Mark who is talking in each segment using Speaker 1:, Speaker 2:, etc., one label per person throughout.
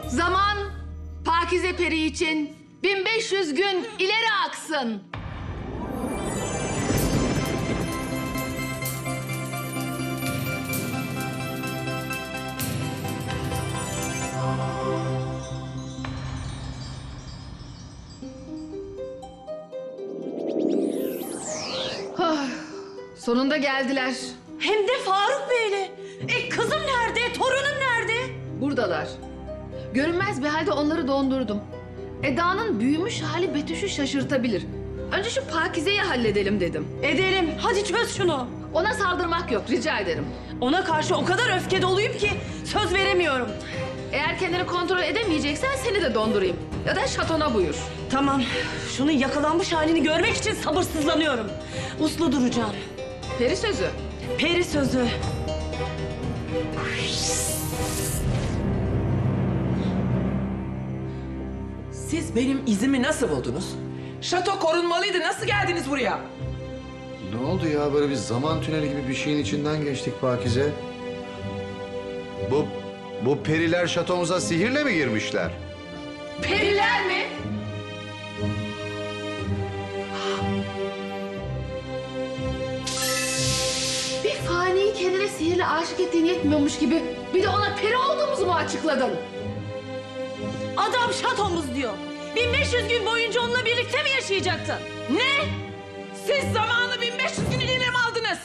Speaker 1: Zaman Pakize Peri için 1500 gün ileri aksın. Sonunda geldiler.
Speaker 2: Hem de Faruk Bey'le. Kızım nerede? Torunum nerede?
Speaker 1: Buradalar. Görünmez bir halde onları dondurdum. Eda'nın büyümüş hali Betüş'ü şaşırtabilir. Önce şu Pakize'yi halledelim dedim.
Speaker 2: Edelim. Hadi çöz şunu.
Speaker 1: Ona saldırmak yok, rica ederim.
Speaker 2: Ona karşı o kadar öfke doluyum ki söz veremiyorum.
Speaker 1: Eğer kendini kontrol edemeyeceksen seni de dondurayım. Ya da şatona buyur.
Speaker 2: Tamam. Şunun yakalanmış halini görmek için sabırsızlanıyorum. Uslu duracağım.
Speaker 1: Peri sözü.
Speaker 2: Peri sözü.
Speaker 3: Siz benim izimi nasıl buldunuz? Şato korunmalıydı. Nasıl geldiniz buraya?
Speaker 4: Ne oldu ya? Böyle bir zaman tüneli gibi bir şeyin içinden geçtik Pakize. Bu periler şatomuza sihirle mi girmişler?
Speaker 1: Periler mi? Bir faniyi kendine sihirle aşık ettiğin yetmiyormuş gibi bir de ona peri olduğumuzu mu açıkladın?
Speaker 2: Adam şatomuz diyor. 1500 gün boyunca onunla birlikte mi yaşayacaktın?
Speaker 3: Ne? Siz zamanı 1500 gün ileri mi aldınız?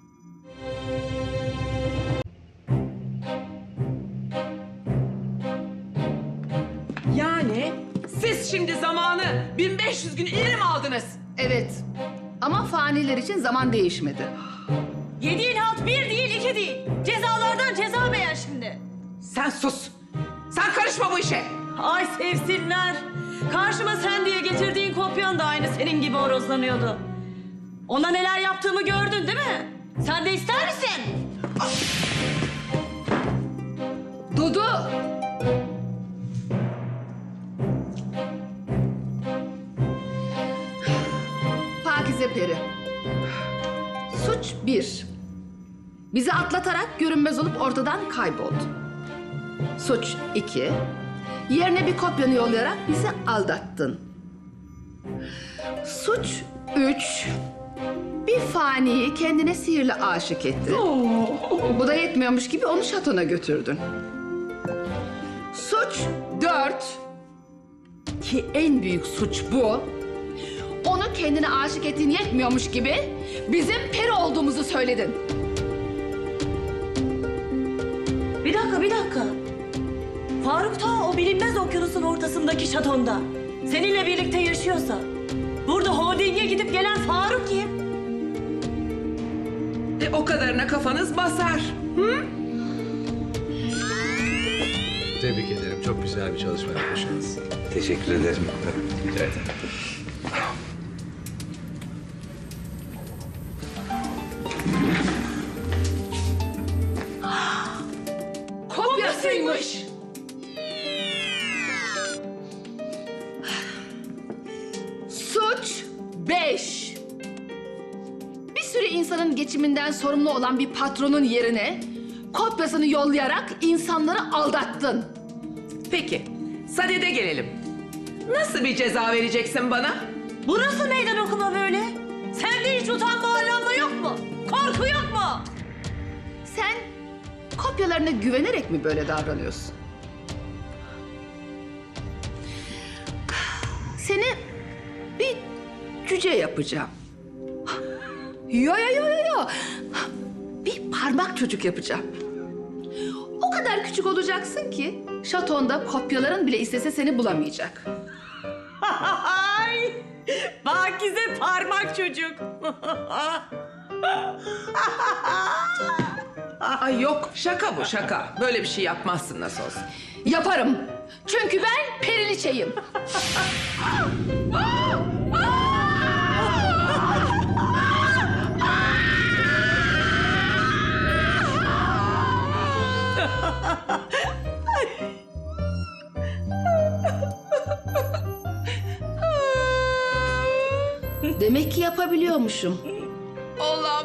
Speaker 3: Yani siz şimdi zamanı 1500 gün ileri mi aldınız?
Speaker 1: Evet. Ama faniler için zaman değişmedi.
Speaker 2: Yediğin halt bir değil, iki değil. Cezalardan ceza beğen şimdi.
Speaker 3: Sen sus. Sen karışma bu işe.
Speaker 2: Ay sevsinler. Karşıma sen diye getirdiğin kopyan da aynı senin gibi horozlanıyordu. Ona neler yaptığımı gördün değil mi? Sen de ister misin?
Speaker 1: Dudu! Pakize Peri. Suç 1. Bizi atlatarak görünmez olup ortadan kayboldu. Suç 2. Yerine bir kopyanı yollayarak bizi aldattın. Suç 3. Bir faniyi kendine sihirle aşık ettin. Bu da yetmiyormuş gibi onu şatona götürdün. Suç 4. Ki en büyük suç bu. Onu kendine aşık ettiğin yetmiyormuş gibi bizim peri olduğumuzu söyledin.
Speaker 2: Bir dakika. Faruk ta o bilinmez okyanusun ortasındaki şatonda. Seninle birlikte yaşıyorsa. Burada holdinge gidip gelen Faruk kim?
Speaker 3: O kadarına kafanız basar. Hı?
Speaker 4: Tebrik ederim. Çok güzel bir çalışma yapmışsınız.
Speaker 5: Teşekkür ederim. Evet.
Speaker 1: Kopyasıymış. Suç 5. Bir sürü insanın geçiminden sorumlu olan bir patronun yerine kopyasını yollayarak insanları aldattın.
Speaker 3: Peki, sadede gelelim. Nasıl bir ceza vereceksin bana?
Speaker 2: Bu nasıl meydan okuma böyle? Sende hiç utanma arlanma yok mu? Korku yok mu?
Speaker 1: Sen kopyalarına güvenerek mi böyle davranıyorsun? Seni bir cüce yapacağım. Yo. Bir parmak çocuk yapacağım. O kadar küçük olacaksın ki şatonda kopyaların bile istese seni bulamayacak.
Speaker 2: Ay! Pakize parmak çocuk.
Speaker 3: Ay yok, şaka bu şaka. Böyle bir şey yapmazsın nasıl olsa.
Speaker 1: Yaparım. Çünkü ben periliçeyim. Demek ki yapabiliyormuşum.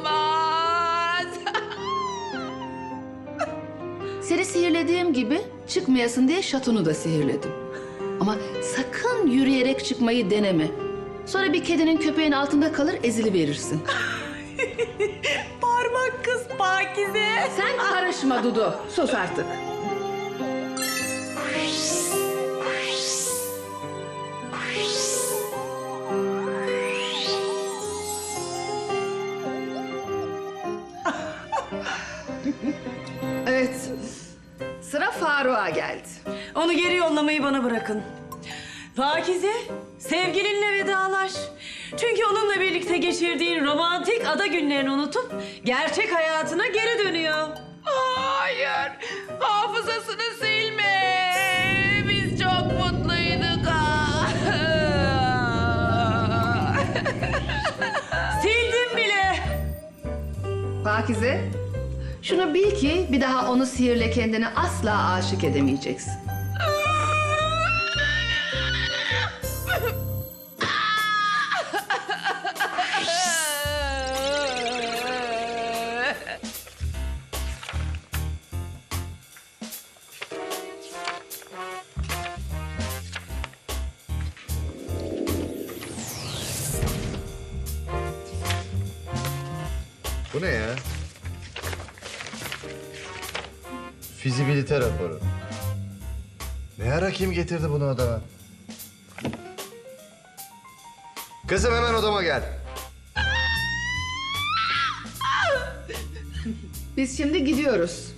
Speaker 3: Olamaz.
Speaker 1: Seni sihirlediğim gibi çıkmayasın diye şatonu da sihirledim. Ama sakın yürüyerek çıkmayı deneme. Sonra bir kedinin köpeğin altında kalır eziliverirsin.
Speaker 2: Parmak kız Pakize.
Speaker 1: Sen karışma Dudu. Sus artık. Evet. Sıra Faruk'a geldi.
Speaker 2: Onu geri yollamayı bana bırakın. Pakize, sevgilinle vedalaş. Çünkü onunla birlikte geçirdiğin romantik ada günlerini unutup gerçek hayatına geri dönüyor.
Speaker 3: Hayır. Hafızasını silme. Biz çok mutluyduk.
Speaker 2: Sildim bile.
Speaker 1: Pakize, şunu bil ki bir daha onu sihirle kendini asla aşık edemeyeceksin.
Speaker 4: Bu ne ya? Fizibilite raporu. Ne ara kim getirdi bunu odama? Kızım hemen odama gel.
Speaker 1: Biz şimdi gidiyoruz.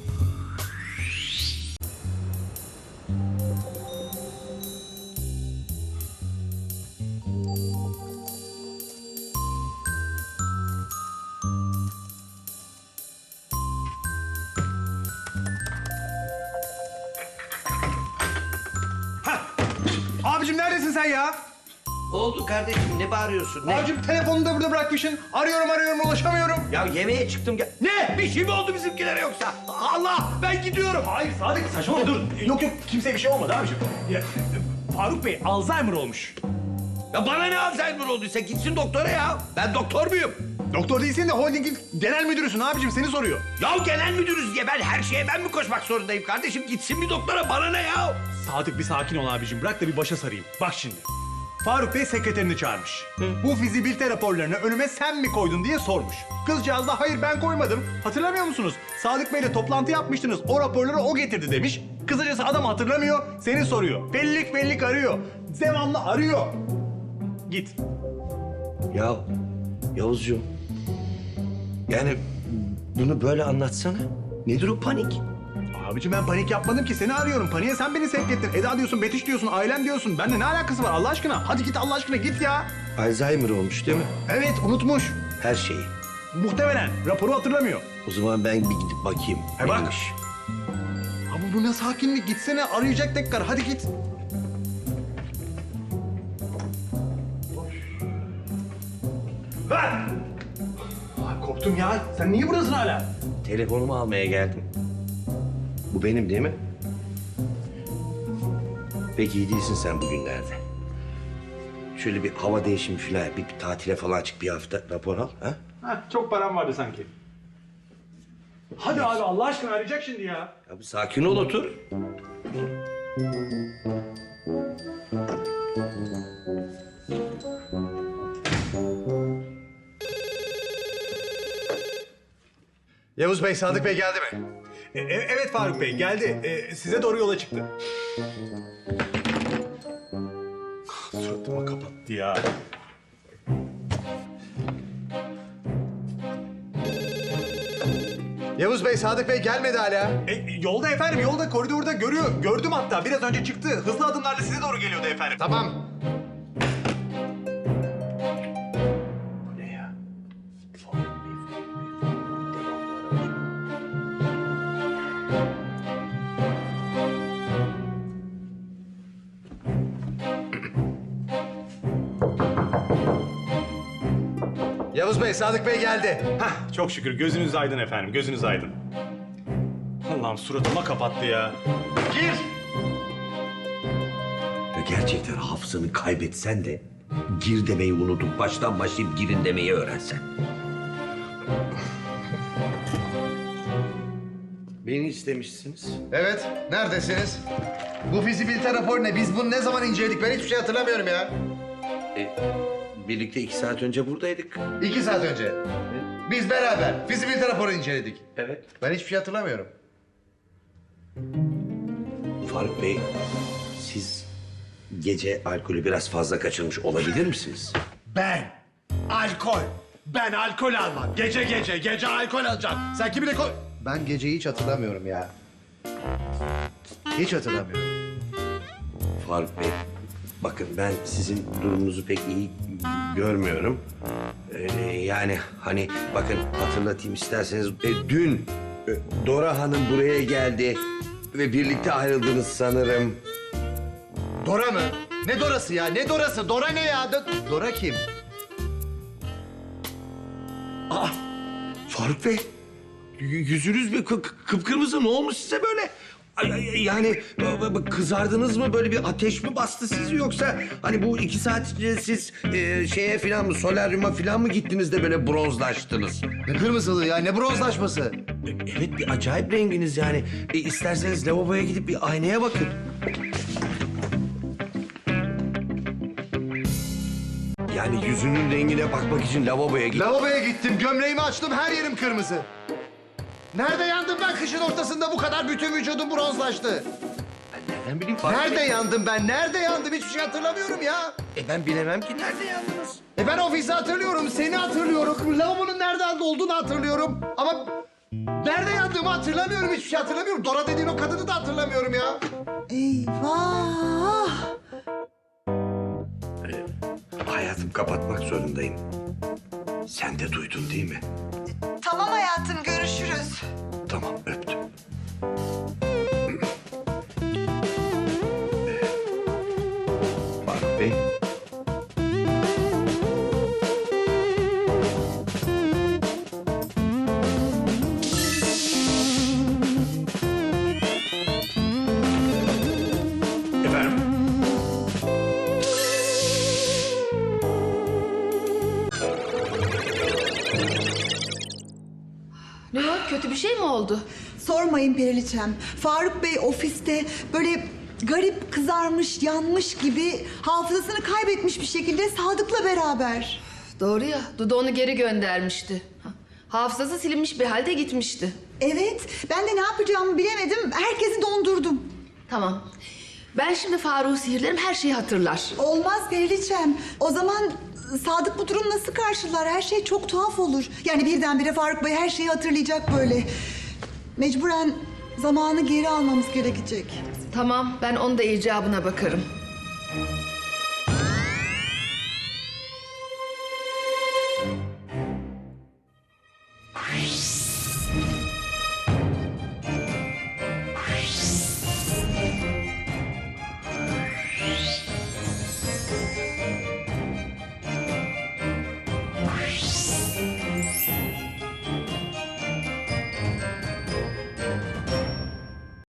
Speaker 6: Abicim neredesin sen ya?
Speaker 5: Ne oldu kardeşim? Ne bağırıyorsun? Ne?
Speaker 6: Abicim telefonunu da burada bırakmışsın. Arıyorum ulaşamıyorum.
Speaker 5: Ya yemeğe çıktım. Ne? Bir şey mi oldu bizimkilere yoksa? Allah! Ben gidiyorum.
Speaker 6: Hayır Sadık saçmalama dur. Yok kimseye bir şey olmadı abicim. Ya, Faruk Bey Alzheimer olmuş.
Speaker 5: Ya bana ne Alzheimer olduysa gitsin doktora ya. Ben doktor muyum?
Speaker 6: Doktor değilsin de holdingin genel müdürüsün abicim seni soruyor.
Speaker 5: Ya genel müdürüz diye her şeye ben mi koşmak zorundayım kardeşim? Gitsin bir doktora, bana ne ya?
Speaker 6: Sadık bir sakin ol abicim bırak da bir başa sarayım. Bak şimdi. Faruk Bey sekreterini çağırmış. Bu fizibilite raporlarını önüme sen mi koydun diye sormuş. Kızcağız da hayır ben koymadım. Hatırlamıyor musunuz? Sadık Bey'le toplantı yapmıştınız. O raporları o getirdi demiş. Kısacası adam hatırlamıyor, seni soruyor. Bellik arıyor. Devamlı arıyor. Git.
Speaker 5: Ya Yavuzcuğum. Yani bunu böyle anlatsana. Nedir o panik?
Speaker 6: Abicim ben panik yapmadım ki seni arıyorum. Paniğe sen beni sevk ettin. Eda diyorsun, Betüş diyorsun, ailem diyorsun. Benimle ne alakası var Allah aşkına? Hadi git Allah aşkına git ya.
Speaker 5: Alzheimer olmuş değil mi?
Speaker 6: Evet unutmuş.
Speaker 5: Her şeyi.
Speaker 6: Muhtemelen raporu hatırlamıyor.
Speaker 5: O zaman ben bir gidip bakayım.
Speaker 6: He bak.
Speaker 5: Neymiş?
Speaker 6: Ama bu ne sakinlik? Gitsene arayacak tekrar. Hadi git. Ver! Ay, korktum ya. Sen niye buradasın hala?
Speaker 5: Telefonumu almaya geldim. Bu benim değil mi? Peki iyi değilsin sen bugünlerde. Şöyle bir hava değişimi falan, bir tatile falan çık, bir hafta rapor al. Ha?
Speaker 6: Heh, çok param vardı sanki. Hadi abi Allah aşkına arayacak şimdi ya.
Speaker 5: Ya bir sakin ol, otur.
Speaker 4: Yavuz Bey, Sadık Bey geldi mi?
Speaker 6: Evet Faruk Bey geldi. Size doğru yola çıktı. Suratıma kapattı ya.
Speaker 4: Yavuz Bey, Sadık Bey gelmedi hala.
Speaker 6: Yolda efendim, yolda koridorda görüyor. Gördüm hatta. Biraz önce çıktı. Hızlı adımlarla size doğru geliyordu efendim.
Speaker 4: Tamam.
Speaker 6: Bu ne ya?
Speaker 4: Yavuz Bey, Sadık Bey geldi.
Speaker 6: Hah, çok şükür. Gözünüz aydın efendim. Gözünüz aydın. Allah'ım suratıma kapattı ya. Gir!
Speaker 5: Ya gerçekten hafızanı kaybetsen de gir demeyi unutup baştan başlayıp girin demeyi öğrensen. Beni istemişsiniz.
Speaker 4: Evet, neredesiniz? Bu fizibilite raporu ne? Biz bunu ne zaman inceledik? Ben hiçbir şey hatırlamıyorum ya.
Speaker 5: Birlikte 2 saat önce buradaydık.
Speaker 4: 2 saat önce. Biz beraber fizibilite raporu inceledik.
Speaker 5: Evet.
Speaker 4: Ben hiçbir şey hatırlamıyorum.
Speaker 5: Faruk Bey, siz gece alkolü biraz fazla kaçırmış olabilir misiniz?
Speaker 6: Ben alkol almam. Gece alkol alacağım. Sen kimi de koy...
Speaker 4: Ben geceyi hiç hatırlamıyorum ya. Hiç hatırlamıyorum.
Speaker 5: Faruk Bey, bakın ben sizin durumunuzu pek iyi görmüyorum. Yani hani bakın hatırlatayım isterseniz. Dün Dora Hanım buraya geldi ve birlikte ayrıldınız sanırım.
Speaker 4: Dora mı? Ne Dorası ya? Ne Dorası? Dora ne ya? Dora kim?
Speaker 5: Faruk Bey, yüzünüz bir kıpkırmızı, ne olmuş size böyle? Yani kızardınız mı, böyle bir ateş mi bastı sizi, yoksa hani bu 2 saat içinde siz şeye falan mı, solaryuma falan mı gittiniz de böyle bronzlaştınız?
Speaker 4: Ne kırmızılığı ya? Ne bronzlaşması?
Speaker 5: Evet, bir acayip renginiz yani. İsterseniz lavaboya gidip bir aynaya bakın. Yani yüzünün rengine bakmak için lavaboya git.
Speaker 4: Lavaboya gittim, gömleğimi açtım, her yerim kırmızı. Nerede yandım ben kışın ortasında bu kadar bütün vücudum bronzlaştı?
Speaker 5: Nereden bileyim Faruk
Speaker 4: Nerede
Speaker 5: Bey?
Speaker 4: yandım ben? Nerede yandım? Hiçbir şey hatırlamıyorum ya.
Speaker 5: Ben bilemem ki nerede yandınız.
Speaker 4: Ben ofisi hatırlıyorum, seni hatırlıyorum. Lavabonun nerede olduğunu hatırlıyorum. Ama nerede yandığımı hatırlamıyorum, hiçbir şey hatırlamıyorum. Dora dediğin o kadını da hatırlamıyorum ya.
Speaker 7: Eyvah!
Speaker 5: Hayatım, kapatmak zorundayım. Sen de duydun değil mi?
Speaker 7: Tamam hayatım, görüşürüz.
Speaker 5: Tamam, öptüm. Faruk Bey. Efendim?
Speaker 1: Ne o? Kötü bir şey mi oldu?
Speaker 7: Sormayın Periliçem. Faruk Bey ofiste böyle garip kızarmış, yanmış gibi hafızasını kaybetmiş bir şekilde Sadık'la beraber.
Speaker 1: Doğru ya, Dudu onu geri göndermişti. Hafızası silinmiş bir halde gitmişti.
Speaker 7: Evet, ben de ne yapacağımı bilemedim. Herkesi dondurdum.
Speaker 1: Tamam. Ben şimdi Faruk'u sihirlerim, her şeyi hatırlar.
Speaker 7: Olmaz Periliçem. O zaman Sadık bu durum nasıl karşılar? Her şey çok tuhaf olur. Yani birdenbire Faruk Bey her şeyi hatırlayacak böyle. Mecburen zamanı geri almamız gerekecek.
Speaker 1: Tamam, ben onun da icabına bakarım.